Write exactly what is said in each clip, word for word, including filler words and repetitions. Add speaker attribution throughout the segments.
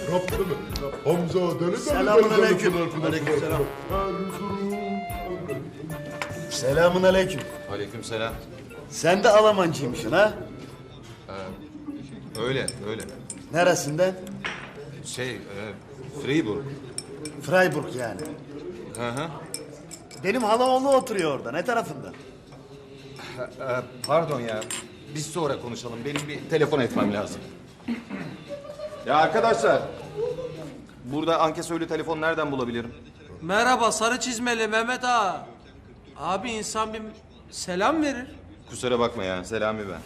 Speaker 1: Yaptı mı? Hamza deli deli
Speaker 2: Selamun
Speaker 1: deli
Speaker 2: aleyküm.
Speaker 1: deli
Speaker 2: Aleykümselam.
Speaker 1: Erzurum.
Speaker 2: Selamun aleyküm.
Speaker 3: Aleykümselam.
Speaker 2: Sen de Almancıymışsın ha?
Speaker 3: Öyle, öyle.
Speaker 2: Neresinden?
Speaker 3: Şey, e, Freiburg.
Speaker 2: Freiburg yani.
Speaker 3: Hı hı.
Speaker 2: Benim halaoğlu oturuyor orada. Ne tarafında?
Speaker 3: E, pardon ya. Biz sonra konuşalım. Benim bir telefon etmem lazım. Ya arkadaşlar. Burada ankesörlü telefon nereden bulabilirim?
Speaker 4: Merhaba sarı çizmeli Mehmet ağa. Abi insan bir selam verir.
Speaker 3: Kusura bakma ya. Selami ben.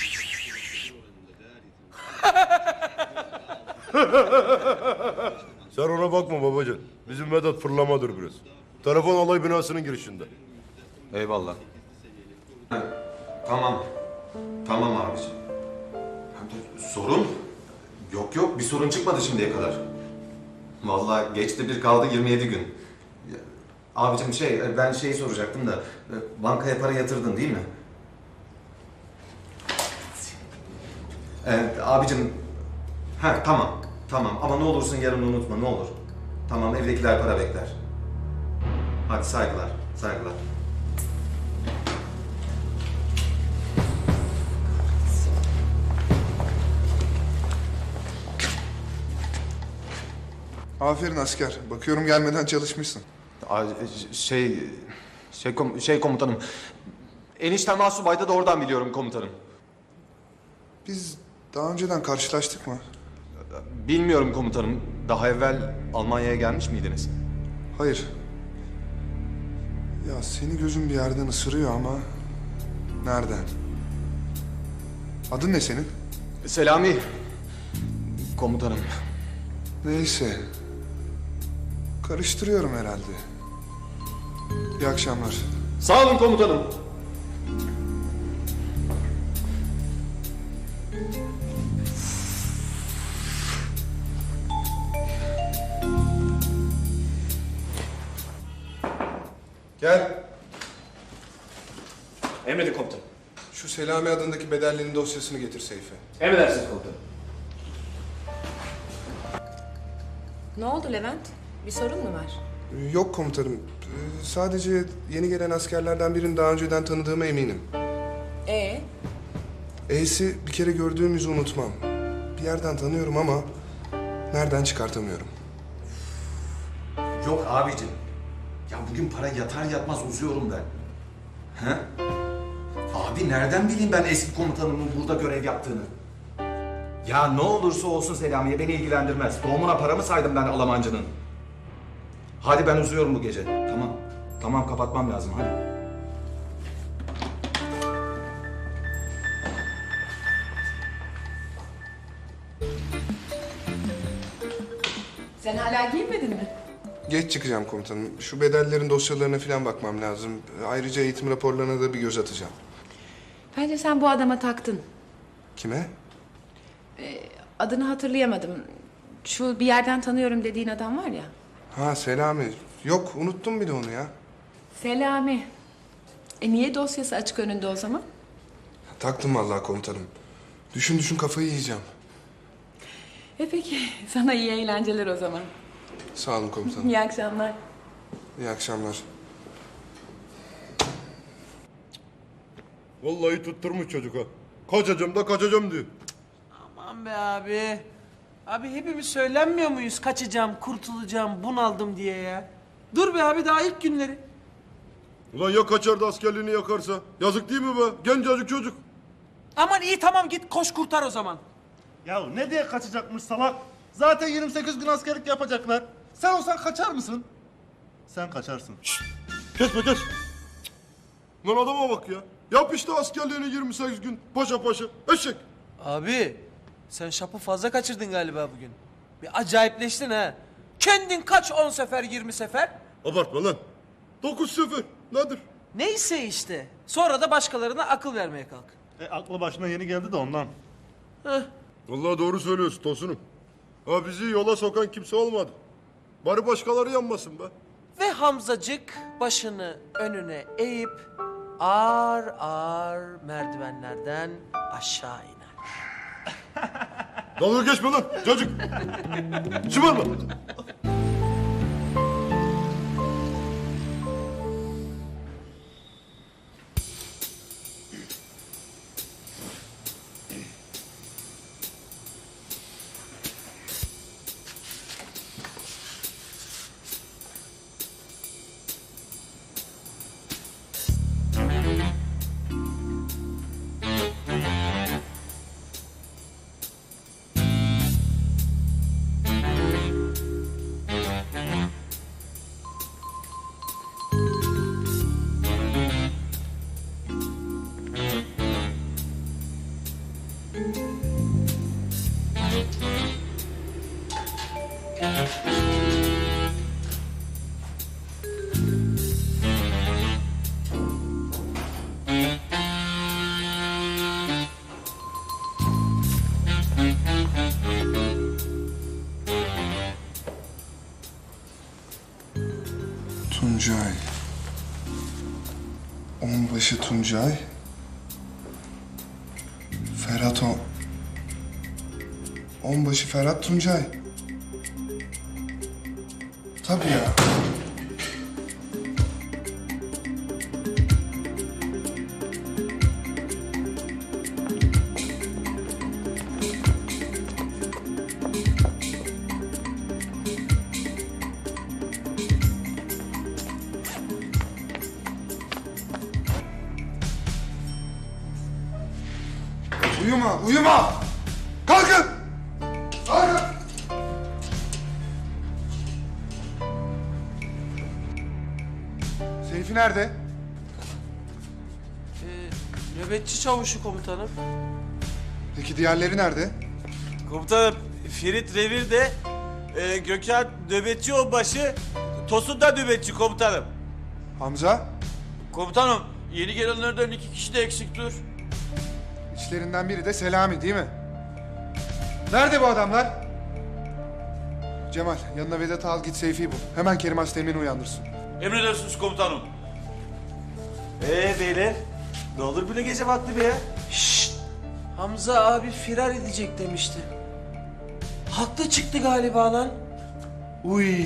Speaker 1: Sen ona bakma babacığım. Bizim Vedat fırlamadır biraz. Telefon alay binasının girişinde.
Speaker 3: Eyvallah. Tamam. Tamam abiciğim. Sorun? Yok yok bir sorun çıkmadı şimdiye kadar. Vallahi geçti bir kaldı yirmi yedi gün. Ya, abicim şey ben şeyi soracaktım da bankaya para yatırdın değil mi? Evet abicim. Ha tamam. Tamam ama ne olursun yarın unutma ne olur. Tamam evdekiler para bekler. Hadi saygılar. Saygılar.
Speaker 5: Aferin asker. Bakıyorum gelmeden çalışmışsın.
Speaker 3: Ay, Şey, şey, kom- şey komutanım. Eniştem Asubay'da da oradan biliyorum komutanım.
Speaker 5: Biz daha önceden karşılaştık mı?
Speaker 3: Bilmiyorum komutanım. Daha evvel Almanya'ya gelmiş miydiniz?
Speaker 5: Hayır. Ya seni gözüm bir yerden ısırıyor ama... Nereden? Adın ne senin?
Speaker 3: Selami. Komutanım.
Speaker 5: Neyse. Karıştırıyorum herhalde. İyi akşamlar.
Speaker 3: Sağ olun komutanım.
Speaker 5: Gel.
Speaker 6: Emredin komutanım.
Speaker 5: Şu Selami adındaki bedellinin dosyasını getir Seyfe.
Speaker 6: Emredersiniz komutanım.
Speaker 7: Ne oldu Levent? Bir sorun mu var?
Speaker 5: Ee, Yok komutanım. Ee, Sadece yeni gelen askerlerden birini daha önceden tanıdığıma eminim.
Speaker 7: Ee,
Speaker 5: E'si bir kere gördüğüm yüzü unutmam. Bir yerden tanıyorum ama nereden çıkartamıyorum.
Speaker 3: Yok abicim. Ya bugün para yatar yatmaz uzuyorum ben. He? Abi nereden bileyim ben eski komutanımın burada görev yaptığını? Ya ne olursa olsun Selamiye beni ilgilendirmez. Doğumuna para mı saydım ben Almancının? Hadi ben uzuyorum bu gece. Tamam. Tamam kapatmam lazım hadi.
Speaker 7: sen hala giyinmedin mi?
Speaker 5: Geç çıkacağım komutanım. Şu bedellerin dosyalarına falan bakmam lazım. Ayrıca eğitim raporlarına da bir göz atacağım.
Speaker 7: Bence sen bu adama taktın.
Speaker 5: Kime?
Speaker 7: Adını hatırlayamadım. Şu bir yerden tanıyorum dediğin adam var ya.
Speaker 5: Ha Selami. Yok unuttum bir de onu ya.
Speaker 7: Selami. E niye dosyası açık önünde o zaman?
Speaker 5: Taktım vallahi komutanım. Düşün düşün kafayı yiyeceğim.
Speaker 7: E peki sana iyi eğlenceler o zaman.
Speaker 5: Sağ olun komutanım.
Speaker 7: İyi akşamlar.
Speaker 5: İyi akşamlar.
Speaker 1: Vallahi tutturmuş çocuk ha. Kaçacağım da kaçacağım diyor.
Speaker 4: Aman be abi. Abi hepimiz söylenmiyor muyuz kaçacağım, kurtulacağım, bunaldım diye ya. Dur be abi daha ilk günleri.
Speaker 1: Ulan ya kaçar da askerliğini yakarsa? Yazık değil mi be? Gencecik çocuk.
Speaker 4: Aman iyi tamam git koş kurtar o zaman.
Speaker 6: Ya ne diye kaçacakmış salak? Zaten yirmi sekiz gün askerlik yapacaklar. Sen olsan kaçar mısın? Sen kaçarsın.
Speaker 1: Kesme kes. Lan adama bak ya. Yap işte askerliğini yirmi sekiz gün. Paşa paşa. Eşek.
Speaker 4: Abi sen şapı fazla kaçırdın galiba bugün. Bir acayipleştin ha. Kendin kaç on sefer yirmi sefer.
Speaker 1: Abartma lan. Dokuz sefer. Nedir?
Speaker 4: Neyse işte. Sonra da başkalarına akıl vermeye kalk.
Speaker 6: E, aklı başına yeni geldi de ondan.
Speaker 4: Heh.
Speaker 1: Vallahi doğru söylüyorsun Tosunum. Ha bizi yola sokan kimse olmadı. Bari başkaları yanmasın be.
Speaker 4: Ve Hamzacık başını önüne eğip ağır ağır merdivenlerden aşağı iner.
Speaker 1: Dalga geçme lan çocuk. Şımarma.
Speaker 5: Tuncay. Onbaşı Tuncay. Ferhat o... Onbaşı Ferhat Tuncay. Tabii ya. Uyuma, uyuma! Kalkın! Kalkın! Seyfi nerede?
Speaker 4: Ee, nöbetçi çavuşu komutanım.
Speaker 5: Peki diğerleri nerede?
Speaker 8: Komutanım Ferit revirde, e, Gökhan nöbetçi onbaşı, Tosun da nöbetçi komutanım.
Speaker 5: Hamza?
Speaker 8: Komutanım yeni gelenlerden iki kişi de eksiktir.
Speaker 5: İçlerinden biri de Selami değil mi? Nerede bu adamlar? Cemal, yanına Vedat'ı al git Seyfi'yi bul. Hemen Kerim Asteğmen'i uyandırsın.
Speaker 8: Emredersiniz komutanım. Ee beyler, ne olur böyle gece vakti be ya?
Speaker 4: Şşt! Hamza abi firar edecek demişti. Haklı çıktı galiba lan.
Speaker 2: Uy.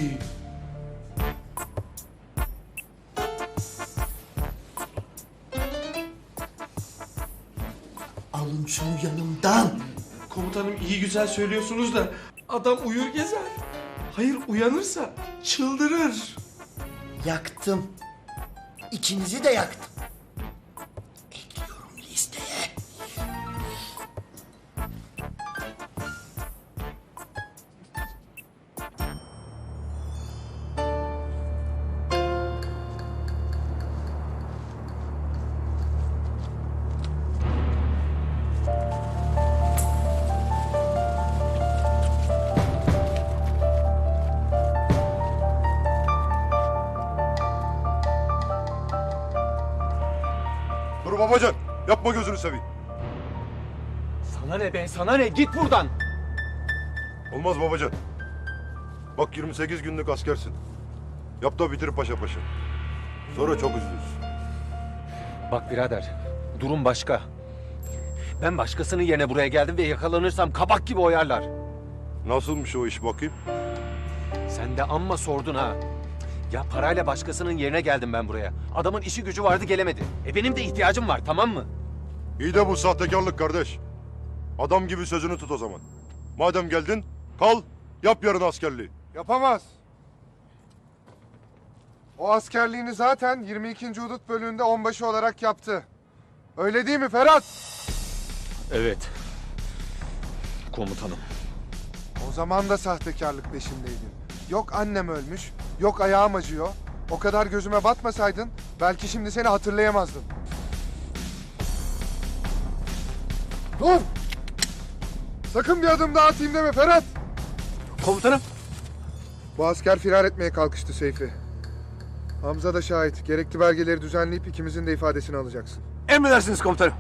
Speaker 2: Alın şunu yanımdan.
Speaker 4: Komutanım iyi güzel söylüyorsunuz da adam uyur gezer. Hayır uyanırsa çıldırır.
Speaker 2: Yaktım. İkinizi de yaktım. Ekliyorum listeye.
Speaker 1: Dur babacan. Yapma gözünü seveyim.
Speaker 8: Sana ne be, sana ne? Git buradan.
Speaker 1: Olmaz babacan. Bak yirmi sekiz günlük askersin. Yap da bitir paşa paşa. Sonra çok üzülürsün.
Speaker 9: Bak birader, durum başka. Ben başkasının yerine buraya geldim ve yakalanırsam kabak gibi oyarlar.
Speaker 1: Nasılmış o iş bakayım?
Speaker 9: Sen de amma sordun ha. Ya parayla başkasının yerine geldim ben buraya. Adamın işi gücü vardı gelemedi. E benim de ihtiyacım var, tamam mı?
Speaker 1: İyi de bu sahtekarlık kardeş. Adam gibi sözünü tut o zaman. Madem geldin kal yap yarın askerliği.
Speaker 5: Yapamaz. O askerliğini zaten yirmi ikinci Hudut bölüğünde onbaşı olarak yaptı. Öyle değil mi Ferhat?
Speaker 9: Evet. Komutanım.
Speaker 5: O zaman da sahtekarlık peşindeydin. Yok annem ölmüş, yok ayağım acıyor. O kadar gözüme batmasaydın belki şimdi seni hatırlayamazdım. Dur! Sakın bir adım daha atayım deme Ferhat!
Speaker 9: Komutanım.
Speaker 5: Bu asker firar etmeye kalkıştı Seyfi. Hamza da şahit. Gerekli belgeleri düzenleyip ikimizin de ifadesini alacaksın.
Speaker 9: Emredersiniz komutanım.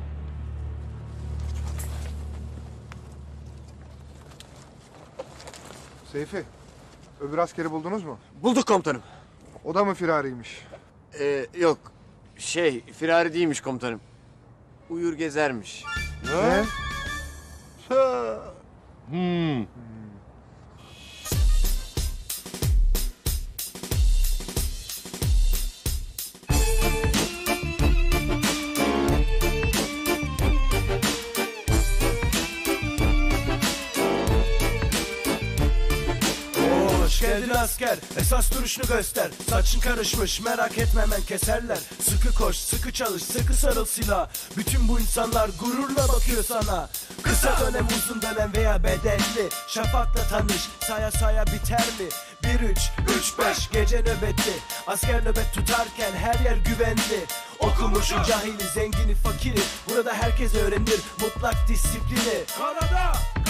Speaker 5: Seyfi, öbür askeri buldunuz mu?
Speaker 10: Bulduk komutanım.
Speaker 5: O da mı firariymiş?
Speaker 10: Ee, yok. Şey, firari değilmiş komutanım. Uyur gezermiş.
Speaker 5: Ne?
Speaker 1: Hmm.
Speaker 11: Hoş geldin asker, esas duruşunu göster. Saçın karışmış, merak etme hemen keserler. Sıkı koş, sıkı çalış, sıkı sarıl silah. Bütün bu insanlar gururla bakıyor sana. Kısa dönem, uzun dönem veya bedelli. Şafakla tanış, saya saya biter mi? Bir üç, üç beş gece nöbetli. Asker nöbet tutarken her yer güvenli. Okumuşu, cahili, zengini, fakiri. Burada herkes öğrenir mutlak disiplini. Karada